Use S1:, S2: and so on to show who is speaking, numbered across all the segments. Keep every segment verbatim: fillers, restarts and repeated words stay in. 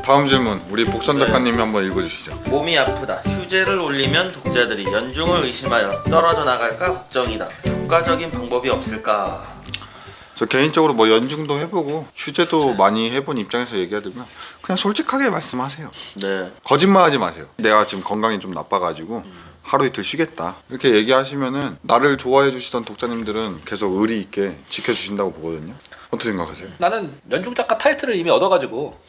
S1: 다음 질문 우리 복선 작가님이 한번 읽어주시죠.
S2: 몸이 아프다. 휴재를 올리면 독자들이 연중을 의심하여 떨어져 나갈까 걱정이다. 효과적인 방법이 없을까?
S1: 저 개인적으로 뭐 연중도 해보고 휴재도 많이 해본 입장에서 얘기하자면 그냥 솔직하게 말씀하세요.
S2: 네.
S1: 거짓말하지 마세요. 내가 지금 건강이 좀 나빠가지고 하루 이틀 쉬겠다 이렇게 얘기하시면은 나를 좋아해 주시던 독자님들은 계속 의리 있게 지켜주신다고 보거든요. 어떻게 생각하세요?
S3: 나는 연중 작가 타이틀을 이미 얻어가지고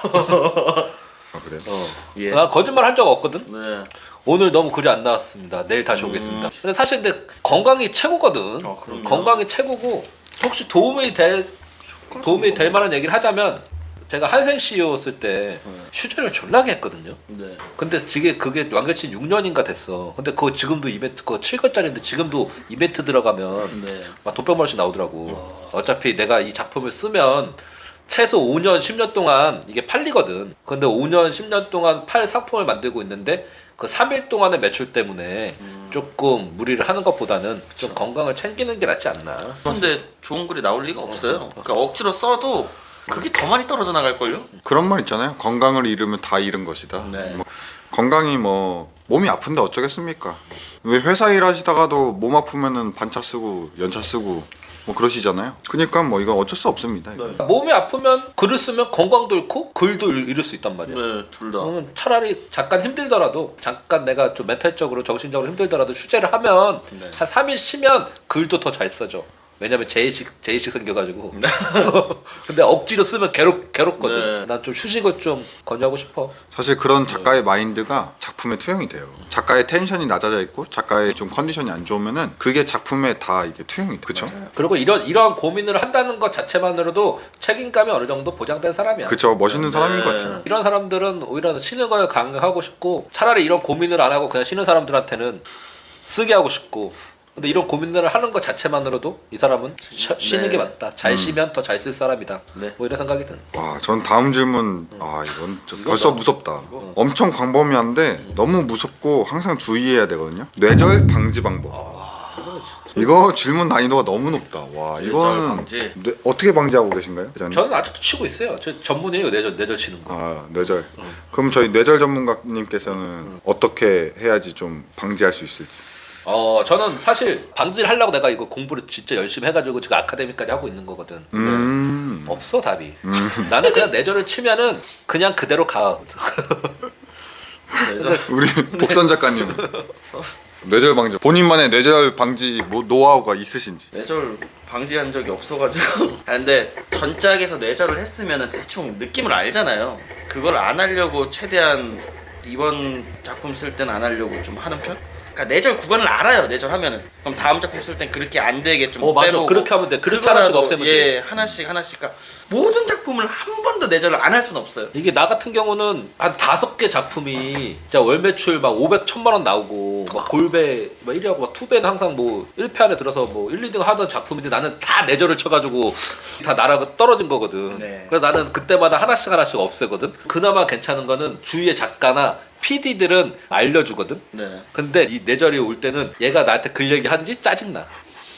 S1: 아 그래요?
S2: 어. 예.
S3: 나 거짓말 한 적 없거든.
S2: 네.
S3: 오늘 너무 글이 안 나왔습니다. 내일 다시 오겠습니다. 근데 사실 근데 건강이 최고거든.
S2: 어, 그럼요.
S3: 건강이 최고고 혹시 도움이 될 도움이 될 만한 얘기를 하자면 제가 한생 씨이오였을 때 휴재를 졸라게 했거든요.
S2: 네.
S3: 근데 그게 그게 완결치 육 년인가 됐어. 근데 그거 지금도 이벤트 그거 칠 권짜리인데 지금도 이벤트 들어가면
S2: 네.
S3: 막 돈백만 원씩 나오더라고. 어차피 내가 이 작품을 쓰면 최소 오 년, 십 년 동안 이게 팔리거든. 근데 오 년, 십 년 동안 팔 상품을 만들고 있는데 그 삼 일 동안의 매출 때문에 음. 조금 무리를 하는 것보다는 좀 건강을 챙기는 게 낫지 않나.
S2: 근데 좋은 글이 나올 리가 없어요. 그러니까 억지로 써도 그게 더 많이 떨어져 나갈걸요?
S1: 그런 말 있잖아요. 건강을 잃으면 다 잃은 것이다.
S2: 네.
S1: 뭐, 건강이 뭐 몸이 아픈데 어쩌겠습니까? 왜 회사 일하시다가도 몸 아프면은 반차 쓰고 연차 쓰고 뭐 그러시잖아요. 그러니까 뭐 이건 어쩔 수 없습니다. 이거.
S2: 네.
S3: 몸이 아프면 글을 쓰면 건강도 잃고 글도 잃을 수 있단 말이야.
S2: 네, 둘 다.
S3: 그러면 차라리 잠깐 힘들더라도 잠깐 내가 좀 멘탈적으로 정신적으로 힘들더라도 휴재를 하면
S2: 네.
S3: 한 삼 일 쉬면 글도 더 잘 써져. 왜냐면 제의식 제의식 생겨가지고. 근데 억지로 쓰면 괴롭 괴롭거든.
S2: 네.
S3: 난 좀 휴식을 좀 권유하고 싶어.
S1: 사실 그런 작가의 마인드가 작품에 투영이 돼요. 작가의 텐션이 낮아져 있고 작가의 좀 컨디션이 안 좋으면은 그게 작품에 다 이게 투영이 돼. 그렇죠?
S3: 그리고 이런 이러한 고민을 한다는 것 자체만으로도 책임감이 어느 정도 보장된 사람이야.
S1: 그렇죠. 멋있는 사람인 것
S2: 네.
S1: 같아요.
S3: 이런 사람들은 오히려 쉬는 걸 강요하고 싶고 차라리 이런 고민을 안 하고 그냥 쉬는 사람들한테는 쓰게 하고 싶고. 근데 이런 고민들을 하는 것 자체만으로도 이 사람은 쉬, 쉬는
S2: 네.
S3: 게 맞다. 잘 쉬면 더 잘 쓸 사람이다.
S2: 네.
S3: 뭐 이런 생각이 든.
S1: 와, 전 다음 질문 아 이건 좀 벌써 무섭다. 엄청 광범위한데 너무 무섭고 항상 주의해야 되거든요. 뇌절 방지 방법. 이거 질문 난이도가 너무 높다. 와 이거는
S2: 방지.
S1: 뇌, 어떻게 방지하고 계신가요? 회장님?
S3: 저는 아직도 치고 있어요. 저 전문이에요. 뇌절 뇌절 치는 거.
S1: 아 뇌절. 그럼 저희 뇌절 전문가님께서는 어떻게 해야지 좀 방지할 수 있을지.
S3: 어 저는 사실 방지를 하려고 내가 이거 공부를 진짜 열심히 해가지고 지금 아카데미까지 하고 있는 거거든.
S1: 음.
S3: 없어 답이. 나는 그냥 뇌절을 치면은 그냥 그대로 가.
S2: 네,
S1: 우리 복선 작가님 뇌절 방지 본인만의 뇌절 방지 뭐 노하우가 있으신지.
S2: 뇌절 방지한 적이 없어가지고. 아, 근데 전작에서 뇌절을 했으면 대충 느낌을 알잖아요. 그걸 안 하려고 최대한 이번 작품 쓸 때는 안 하려고 좀 하는 편? 그러니까 뇌절 구간을 알아요. 뇌절하면은 그럼 다음 작품 쓸 땐 그렇게 안 되게 좀
S3: 어, 맞아.
S2: 빼보고
S3: 그렇게 하면 돼. 그렇게
S2: 그거라도,
S3: 하나씩 없애면
S2: 예,
S3: 돼.
S2: 하나씩 하나씩. 그러니까 모든 작품을 한 번도 뇌절을 안 할 수는 없어요.
S3: 이게 나 같은 경우는 한 다섯 개 작품이 진짜 월 매출 막 오백, 천만 원 나오고 막 골배 막 일 위하고 막 투배는 항상 뭐 일 패 안에 들어서 뭐 일, 이 등 하던 작품인데 나는 다 뇌절을 쳐가지고 다 나라가 떨어진 거거든.
S2: 네.
S3: 그래서 나는 그때마다 하나씩 하나씩 없애거든. 그나마 괜찮은 거는 주위의 작가나 피디들은 알려주거든.
S2: 네.
S3: 근데 이 뇌절이 올 때는 얘가 나한테 글 얘기 하는지 짜증나.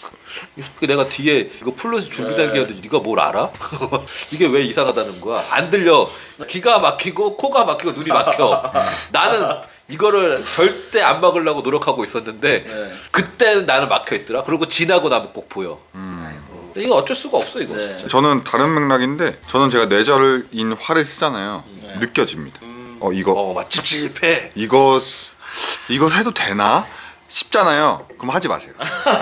S3: 이 새끼 내가 뒤에 이거 플러스 준비된 게 있는데 네가 뭘 알아? 이게 왜 이상하다는 거야? 안 들려. 기가 막히고 코가 막히고 눈이 막혀. 나는 이거를 절대 안 막으려고 노력하고 있었는데
S2: 네.
S3: 그때는 나는 막혀 있더라. 그리고 지나고 나면 꼭 보여. 근데 이거 어쩔 수가 없어 이거.
S2: 네.
S3: 진짜.
S1: 저는 다른 맥락인데 저는 제가 뇌절인 화를 쓰잖아요. 느껴집니다. 어 이거
S3: 어, 막 찝찝해.
S1: 이거 이거 해도 되나 싶잖아요. 그럼 하지 마세요.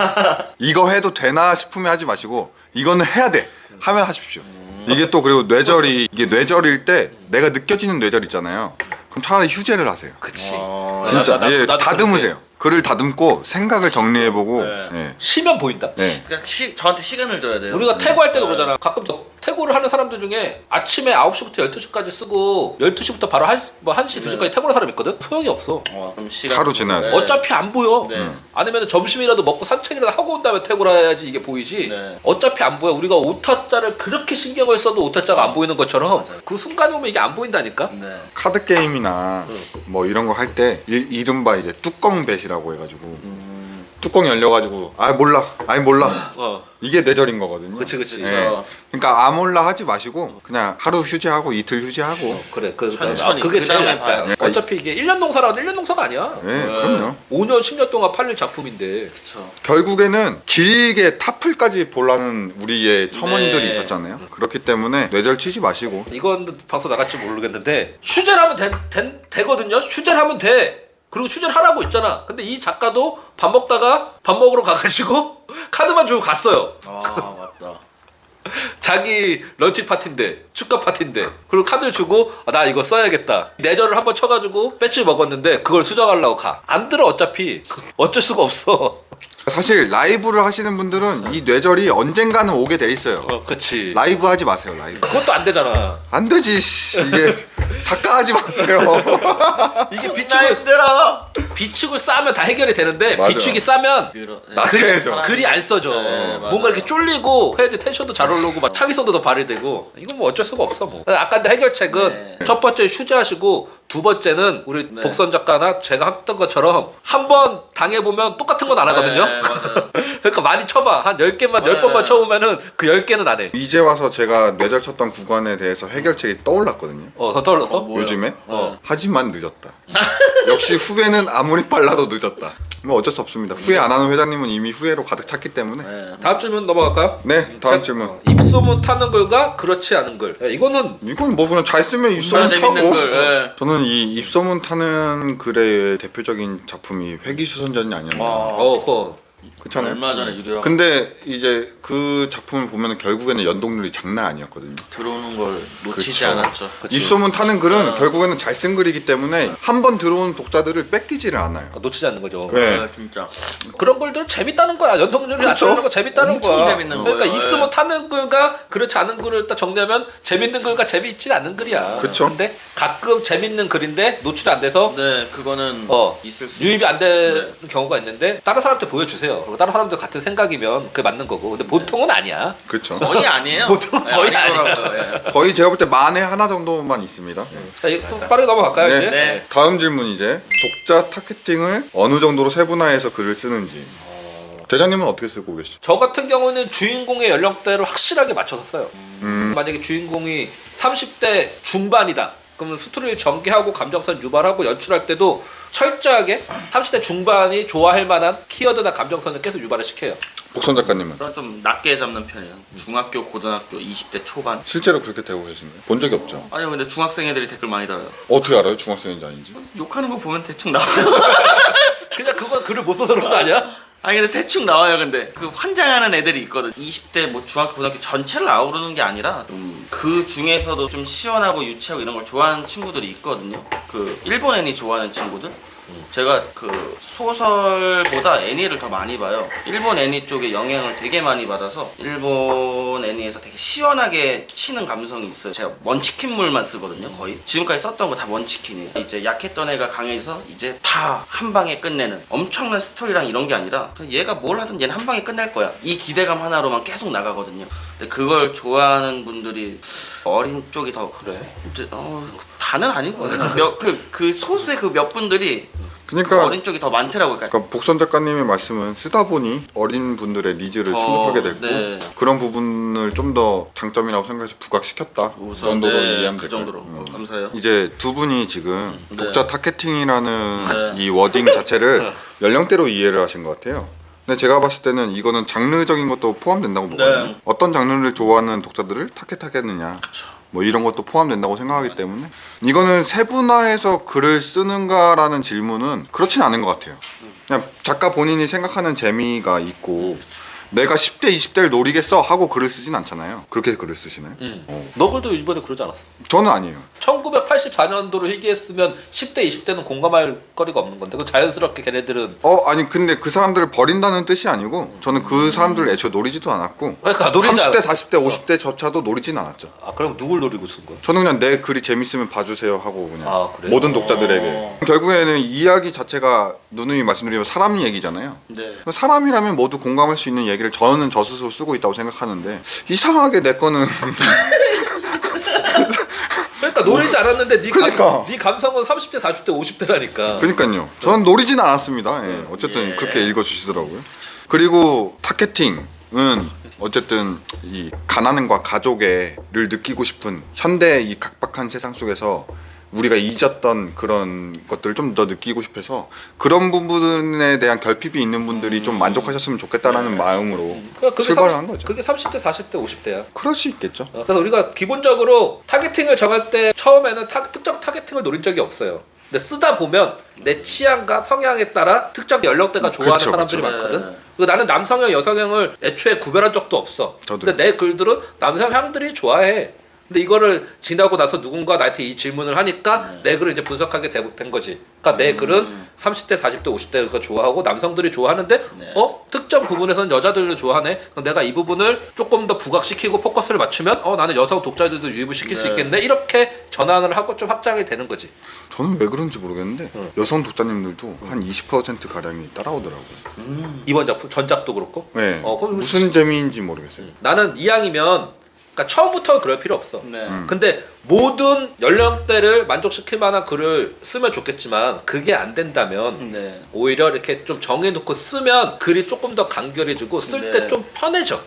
S1: 이거 해도 되나 싶으면 하지 마시고 이거는 해야 돼 하면 하십시오. 이게 또 그리고 뇌절이 이게 뇌절일 때 내가 느껴지는 뇌절 있잖아요. 그럼 차라리 휴재를 하세요.
S3: 그치.
S2: 어,
S1: 진짜
S3: 나- 나-
S1: 예,
S3: 나도
S1: 다듬으세요. 글을 다듬고 생각을 정리해보고
S2: 네.
S1: 예.
S3: 쉬면 보인다.
S1: 네.
S2: 그냥 시, 저한테 시간을 줘야 돼요.
S3: 우리가 태고할 때도
S2: 네.
S3: 그러잖아. 가끔 저 태고를 하는 사람들 중에 아침에 아홉 시부터 열두 시까지 쓰고 열두 시부터 바로 한, 뭐 한 시, 두 시까지 태고하는 사람 있거든? 소용이 없어.
S2: 어, 그럼 시간
S1: 하루 지나요.
S2: 네.
S3: 어차피 안 보여.
S2: 네.
S3: 아니면 점심이라도 먹고 산책이라도 하고 온 다음에 태고를 해야지 이게 보이지.
S2: 네.
S3: 어차피 안 보여. 우리가 오타자를 그렇게 신경을 써도 오타자가 안 보이는 것처럼 그 순간에 오면 이게 안 보인다니까.
S2: 네.
S1: 카드 게임이나 뭐 이런 거 할 때 이른바 이제 뚜껑 뱃이라고 해가지고 뚜껑 열려가지고 아 몰라 아니 몰라
S3: 어.
S1: 이게 뇌절인 거거든요.
S3: 그치, 그치.
S1: 예. 그러니까 아몰라 하지 마시고 그냥 하루 휴지하고 이틀 휴지하고
S3: 어, 그래. 그,
S2: 천천히,
S3: 아, 그게 제일
S2: 그다음에
S3: 낫다.
S2: 봐요.
S3: 어차피 이게 일 년 농사라도 일 년 농사가 아니야.
S1: 예, 그럼요.
S3: 오 년, 십 년 동안 팔릴 작품인데.
S2: 그쵸.
S1: 결국에는 길게 타플까지 보려는 우리의 첨언들이
S2: 네.
S1: 있었잖아요. 그렇기 때문에 뇌절 치지 마시고
S3: 이건 방송 나갈지 모르겠는데 슈제를 하면 된, 된, 되거든요. 슈제를 하면 돼. 그리고 슈제를 하라고 있잖아. 근데 이 작가도 밥 먹다가 밥 먹으러 가가지고 카드만 주고 갔어요.
S2: 아 맞다.
S3: 자기 런치 파티인데 축가 파티인데 그리고 카드 주고 아, 나 이거 써야겠다 내절을 한번 쳐가지고 배치 먹었는데 그걸 수정하려고 가. 안 들어 어차피. 어쩔 수가 없어.
S1: 사실 라이브를 하시는 분들은 이 뇌절이 언젠가는 오게 돼 있어요.
S3: 어, 그치.
S1: 라이브 하지 마세요. 라이브
S3: 그것도 안 되잖아.
S1: 안 되지. 씨. 이게 작가 하지 마세요.
S3: 이게
S2: 나
S3: 비축을
S2: 힘들어.
S3: 비축을 싸면 다 해결이 되는데
S1: 맞아요.
S3: 비축이 싸면
S2: 그러, 네.
S1: 나태해져.
S3: 글이 안 써져.
S2: 네, 맞아요.
S3: 뭔가 이렇게 쫄리고 해야지 텐션도 잘 오르고 막 창의성도 더 발휘되고 이건 뭐 어쩔 수가 없어 뭐. 아까 근데 해결책은
S2: 네.
S3: 첫 번째 휴지하시고 두 번째는 우리
S2: 네.
S3: 복선 작가나 제가 했던 것처럼 한 번 당해보면 똑같은 건 안 하거든요.
S2: 네, 맞아요.
S3: 그러니까 많이 쳐봐. 한 열 개만 열
S2: 네.
S3: 번만 쳐보면은 그 열 개는 안 해.
S1: 이제 와서 제가 뇌절 쳤던 구간에 대해서 해결책이 떠올랐거든요.
S3: 어, 더 떠올랐어?
S2: 어, 뭐야?
S1: 요즘에
S3: 어.
S1: 하지만 늦었다. 역시 후회는 아무리 빨라도 늦었다. 뭐 어쩔 수 없습니다. 후회 안 하는 회장님은 이미 후회로 가득 찼기 때문에.
S2: 네.
S3: 다음 질문 넘어갈까요?
S1: 네, 다음
S3: 자,
S1: 질문.
S3: 입소문 타는 글과 그렇지 않은 글. 야, 이거는
S1: 이건 뭐 그냥 잘 쓰면 입소문
S2: 얼마나
S1: 타고.
S2: 재밌는 글, 예.
S1: 저는 이 입소문 타는 글의 대표적인 작품이 회기수선전이 아니었나.
S2: 와.
S3: 어, 그거
S1: 그렇잖아요.
S2: 얼마 전에 유료
S1: 근데 이제 그 작품을 보면 결국에는 연동률이 장난 아니었거든요.
S2: 들어오는 걸 놓치지
S1: 그쵸.
S2: 않았죠.
S1: 입소문 타는 글은 결국에는 잘 쓴 글이기 때문에 한 번 들어온 독자들을 뺏기지를 않아요.
S3: 놓치지 않는 거죠.
S1: 네.
S2: 아, 진짜.
S3: 그런 글들 재밌다는 거야. 연동률이
S1: 그쵸?
S3: 낮추는 거 재밌다는
S2: 엄청
S3: 거야.
S2: 재밌는
S3: 그러니까
S2: 거예요.
S3: 입소문 타는 글과 그렇지 않은 글을 딱 정리하면 재밌는 글과 재미있지 않은 글이야.
S1: 그쵸.
S3: 근데 가끔 재밌는 글인데 노출이 안 돼서
S2: 네, 그거는
S3: 어
S2: 있을 수.
S3: 유입이 안 되는
S2: 네.
S3: 경우가 있는데 다른 사람한테 보여주세요. 그리고 다른 사람들 같은 생각이면 그게 맞는 거고. 근데 보통은 아니야.
S1: 그렇죠.
S2: 거의 아니에요.
S3: 보통
S2: 네,
S3: 거의
S2: 아니더라고요. 예.
S1: 거의 제가 볼 때 만에 하나 정도만 있습니다.
S3: 자, 이거 빠르게 넘어갈까요
S1: 네.
S3: 이제?
S2: 네.
S1: 다음 질문 이제 독자 타겟팅을 어느 정도로 세분화해서 글을 쓰는지. 대장님은 어떻게 쓰고 계시죠?
S3: 저 같은 경우는 주인공의 연령대를 확실하게 맞춰서 써요.
S1: 음.
S3: 만약에 주인공이 삼십 대 중반이다. 그러면 스토리를 전개하고 감정선 유발하고 연출할 때도 철저하게 삼십 대 중반이 좋아할 만한 키워드나 감정선을 계속 유발을 시켜요.
S1: 복선 작가님은
S2: 그럼 좀 낮게 잡는 편이에요. 중학교, 고등학교 이십 대 초반.
S1: 실제로 그렇게 되고 계신가요? 본 적이 없죠.
S2: 아니요, 근데 중학생 애들이 댓글 많이 달아요.
S1: 어떻게 알아요? 중학생인지 아닌지?
S2: 욕하는 거 보면 대충 나와요.
S3: 그냥 그건 글을 못 써서 그런 거 아니야?
S2: 아니 근데 대충 나와요. 근데 그 환장하는 애들이 있거든. 이십 대 뭐 중학교 고등학교 전체를 아우르는 게 아니라 좀 그 중에서도 좀 시원하고 유치하고 이런 걸 좋아하는 친구들이 있거든요. 그 일본 애니 좋아하는 친구들. 제가 그 소설보다 애니를 더 많이 봐요. 일본 애니 쪽에 영향을 되게 많이 받아서 일본 애니에서 되게 시원하게 치는 감성이 있어요. 제가 먼치킨물만 쓰거든요, 거의. 지금까지 썼던 거 다 먼치킨이에요. 이제 약했던 애가 강해서 이제 다 한 방에 끝내는 엄청난 스토리랑 이런 게 아니라 그냥 얘가 뭘 하든 얘는 한 방에 끝낼 거야. 이 기대감 하나로만 계속 나가거든요. 근데 그걸 좋아하는 분들이 어린 쪽이 더
S3: 그래.
S2: 근데, 어, 다는 아니고 몇그 그 소수의 그 몇 분들이
S1: 그러니까
S2: 어린 쪽이 더 많더라고요. 그러니까
S1: 그러니까 복선 작가님의 말씀은 쓰다 보니 어린 분들의 니즈를
S2: 어,
S1: 충족하게 됐고
S2: 네.
S1: 그런 부분을 좀 더 장점이라고 생각해서 부각시켰다. 그
S2: 우선
S1: 정도로
S2: 네,
S1: 이해하면
S2: 그
S1: 될까요?
S2: 정도로
S1: 음.
S2: 어, 감사해요.
S1: 이제 두 분이 지금
S2: 네.
S1: 독자 타겟팅이라는
S2: 네.
S1: 이 워딩 자체를 연령대로 이해를 하신 것 같아요. 근데 제가 봤을 때는 이거는 장르적인 것도 포함된다고 보거든요.
S2: 네.
S1: 어떤 장르를 좋아하는 독자들을 타겟하겠느냐. 뭐 이런 것도 포함된다고 생각하기 때문에 이거는 세분화해서 글을 쓰는가라는 질문은 그렇진 않은 것 같아요. 그냥 작가 본인이 생각하는 재미가 있고 내가 십 대 이십 대를 노리겠어 하고 글을 쓰진 않잖아요. 그렇게 글을 쓰시나요?
S3: 응.
S1: 어.
S3: 너 글도 이번에 그러지 않았어?
S1: 저는 아니에요.
S3: 천구백팔십사 년도로 희귀했으면 십 대 이십 대는 공감할 거리가 없는 건데 그 자연스럽게 걔네들은
S1: 어 아니 근데 그 사람들을 버린다는 뜻이 아니고 저는 그 사람들을 애초에 노리지도 않았고
S3: 그러니까 노리지
S1: 삼십 대
S3: 않-
S1: 사십 대 오십 대 저차도 노리진 않았죠.
S3: 아 그럼 누굴 노리고 쓴 거야?
S1: 저는 그냥 내 글이 재밌으면 봐주세요 하고 그냥
S3: 아, 그래요?
S1: 모든 독자들에게 결국에는 이야기 자체가 누누이 말씀드리면 사람 얘기잖아요.
S2: 네.
S1: 사람이라면 모두 공감할 수 있는 얘기를 저는 저 스스로 쓰고 있다고 생각하는데 이상하게 내 거는
S3: 그러니까 그러니까 노리지 않았는데 네,
S1: 그러니까.
S3: 감, 네 감성은 삼십 대, 사십 대, 오십 대라니까.
S1: 그러니까요. 저는 노리지는 않았습니다. 예, 어쨌든
S2: 예.
S1: 그렇게 읽어주시더라고요. 그리고 타겟팅은 어쨌든 이 가난과 가족애를 느끼고 싶은 현대 이 각박한 세상 속에서 우리가 잊었던 그런 것들을 좀 더 느끼고 싶어서 그런 부분에 대한 결핍이 있는 분들이 좀 만족하셨으면 좋겠다라는 마음으로
S3: 그러니까 그게
S1: 출발을
S3: 삼십
S1: 한 거죠.
S3: 그게 삼십 대, 사십 대, 오십 대야.
S1: 그럴 수 있겠죠.
S3: 어, 그래서 우리가 기본적으로 타겟팅을 정할 때 처음에는 타, 특정 타겟팅을 노린 적이 없어요. 근데 쓰다 보면 내 취향과 성향에 따라 특정 연령대가 좋아하는
S1: 그쵸,
S3: 사람들이
S1: 그쵸.
S3: 많거든.
S2: 네.
S3: 그리고 나는 남성형, 여성형을 애초에 구별한 적도 없어.
S1: 저도요.
S3: 근데 내 글들은 남성향들이 좋아해. 근데 이거를 지나고 나서 누군가 나한테 이 질문을 하니까
S2: 네.
S3: 내 글을 이제 분석하게 되- 된 거지. 그러니까 내 글은 삼십 대, 사십 대, 오십 대가 좋아하고 남성들이 좋아하는데
S2: 네.
S3: 어? 특정 부분에서는 여자들도 좋아하네. 그럼 내가 이 부분을 조금 더 부각시키고 포커스를 맞추면 어 나는 여성 독자들도 유입을 시킬 수
S2: 네.
S3: 있겠네. 이렇게 전환을 하고 좀 확장이 되는 거지.
S1: 저는 왜 그런지 모르겠는데 여성 독자님들도 한 이십 퍼센트 가량이 따라오더라고요.
S3: 이번 작품 전작도 그렇고.
S1: 네.
S3: 어, 그럼
S1: 무슨 재미인지 모르겠어요.
S3: 나는 이왕이면 그러니까 처음부터 그럴 필요 없어.
S2: 네.
S1: 음.
S3: 근데 모든 연령대를 만족시킬 만한 글을 쓰면 좋겠지만 그게 안 된다면
S2: 네.
S3: 오히려 이렇게 좀 정해놓고 쓰면 글이 조금 더 간결해지고 쓸 때
S2: 네.
S3: 좀 편해져.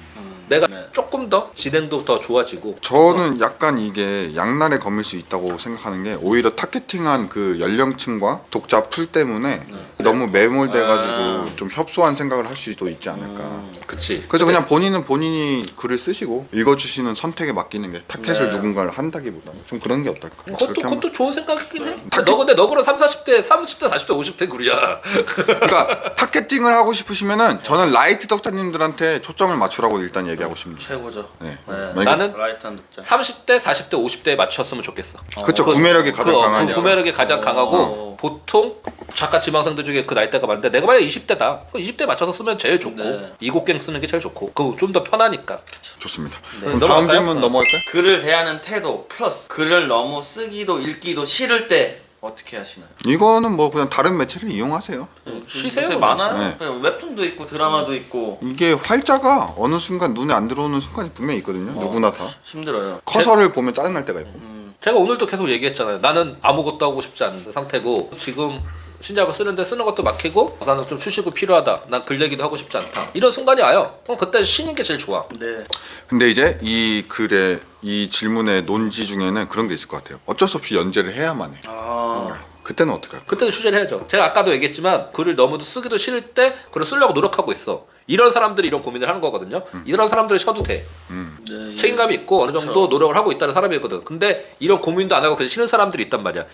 S3: 내가
S2: 네.
S3: 조금 더 진행도 더 좋아지고.
S1: 저는 약간 이게 양날의 검일 수 있다고 생각하는 게 오히려 타겟팅한 그 연령층과 독자 풀 때문에 너무 매몰돼가지고
S2: 아.
S1: 좀 협소한 생각을 할 수도 있지 않을까.
S3: 그치.
S1: 그래서 그냥 본인은 본인이 글을 쓰시고 읽어주시는 선택에 맡기는 게 타겟을
S2: 네.
S1: 누군가를 한다기보다는 좀 그런 게 어떨까.
S3: 그것도
S1: 그렇게 한번-
S3: 그것도 좋은 생각이긴 해. 너 근데 너 그럼 삼, 사십 대, 삼십 대, 사십 대, 오십 대 글이야.
S1: 그러니까 타겟팅을 하고 싶으시면은 저는 라이트 독자님들한테 초점을 맞추라고 일단 얘기하고 싶습니다.
S2: 최고죠.
S1: 네.
S2: 네.
S1: 만약에-
S3: 나는
S2: 라이트한 독자.
S3: 삼십 대, 사십 대, 오십 대에 맞췄으면 좋겠어.
S1: 그쵸,
S3: 그-
S1: 구매력이 가장
S3: 그,
S1: 강하죠.
S3: 그 구매력이 가장
S2: 어.
S3: 강하고 보통 작가 지망생들 중에 그 나이대가 많은데 내가 만약 이십 대다. 그 이십 대 맞춰서 쓰면 제일 좋고
S2: 네.
S3: 이곡갱 쓰는 게 제일 좋고 그 좀 더 편하니까.
S1: 좋습니다.
S2: 네.
S1: 그럼 다음
S3: 넘어갈까요?
S1: 질문
S3: 어.
S1: 넘어갈까요?
S2: 글을 대하는 태도 플러스 글을 너무 쓰기도 읽기도 싫을 때 어떻게 하시나요?
S1: 이거는 뭐 그냥 다른 매체를 이용하세요.
S3: 쉬세요.
S2: 요새
S3: 그냥.
S2: 많아요.
S1: 네.
S2: 그냥 웹툰도 있고 드라마도 있고
S1: 이게 활자가 어느 순간 눈에 안 들어오는 순간이 분명히 있거든요. 누구나 다.
S2: 힘들어요.
S1: 커서를 보면 짜증날 때가 있고.
S3: 제가 오늘도 계속 얘기했잖아요. 나는 아무것도 하고 싶지 않은 상태고 지금 신작을 쓰는데 쓰는 것도 막히고 나는 좀 휴식이 필요하다. 난 글 얘기도 하고 싶지 않다. 이런 순간이 와요. 그럼 그때 쉬는 게 제일 좋아.
S2: 네.
S1: 근데 이제 이 글의 이 질문의 논지 중에는 그런 게 있을 것 같아요. 어쩔 수 없이 연재를 해야만 해.
S2: 아.
S1: 그때는 어떻게 할까?
S3: 그때는 휴재를 해야죠. 제가 아까도 얘기했지만 글을 너무 쓰기도 싫을 때 글을 쓰려고 노력하고 있어. 이런 사람들이 이런 고민을 하는 거거든요. 이런 사람들을 쉬어도 돼.
S2: 네.
S3: 책임감이 있고 어느 정도
S2: 그쵸.
S3: 노력을 하고 있다는 사람이거든. 근데 이런 고민도 안 하고 그냥 싫은 사람들이 있단 말이야.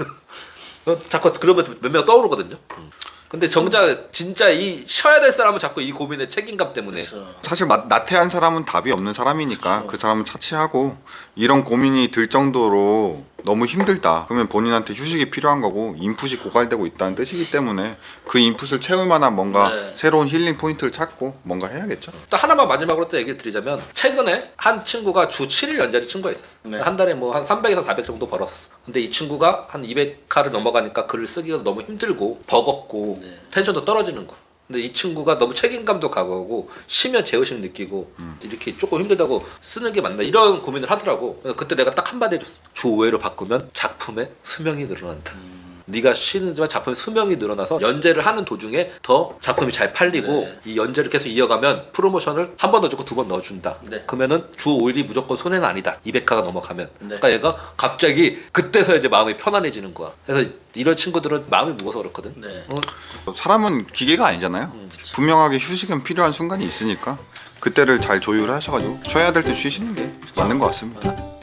S3: 어, 자꾸 그러면 몇 명 떠오르거든요. 근데 정작 진짜 이 쉬어야 될 사람은 자꾸 이 고민의 책임감 때문에.
S2: 그렇죠.
S1: 사실 마- 나태한 사람은 답이 없는 사람이니까 그 사람은 차치하고 이런 고민이 들 정도로 너무 힘들다. 그러면 본인한테 휴식이 필요한 거고 인풋이 고갈되고 있다는 뜻이기 때문에 그 인풋을 채울 만한 뭔가
S2: 네.
S1: 새로운 힐링 포인트를 찾고 뭔가 해야겠죠.
S3: 또 하나만 마지막으로 또 얘기를 드리자면 최근에 한 친구가 주 칠 일 연재를 친구가 있었어.
S2: 네.
S3: 한 달에 뭐 한 삼백에서 사백 정도 벌었어. 근데 이 친구가 한 이백 화를 넘어가니까 글을 쓰기가 너무 힘들고 버겁고
S2: 네.
S3: 텐션도 떨어지는 거야. 근데 이 친구가 너무 책임감도 가고 쉬면 제의식 느끼고 이렇게 조금 힘들다고 쓰는 게 맞나 이런 고민을 하더라고. 그래서 그때 내가 딱 한마디 해줬어. 주 오 회로 바꾸면 작품의 수명이 늘어난다. 네가 쉬는지만 작품의 수명이 늘어나서 연재를 하는 도중에 더 작품이 잘 팔리고
S2: 네.
S3: 이 연재를 계속 이어가면 프로모션을 한 번 더 주고 두 번 넣어준다.
S2: 네.
S3: 그러면은 주 오 일이 무조건 손해는 아니다. 이백 화가 넘어가면.
S2: 네.
S3: 그러니까 얘가 갑자기 그때서 이제 마음이 편안해지는 거야. 그래서 이런 친구들은 마음이 무거워서 그렇거든.
S2: 네.
S3: 어,
S1: 사람은 기계가 아니잖아요. 분명하게 휴식은 필요한 순간이 있으니까 그때를 잘 조율하셔가지고 쉬어야 될 때 쉬시는 게 맞는 것 같습니다.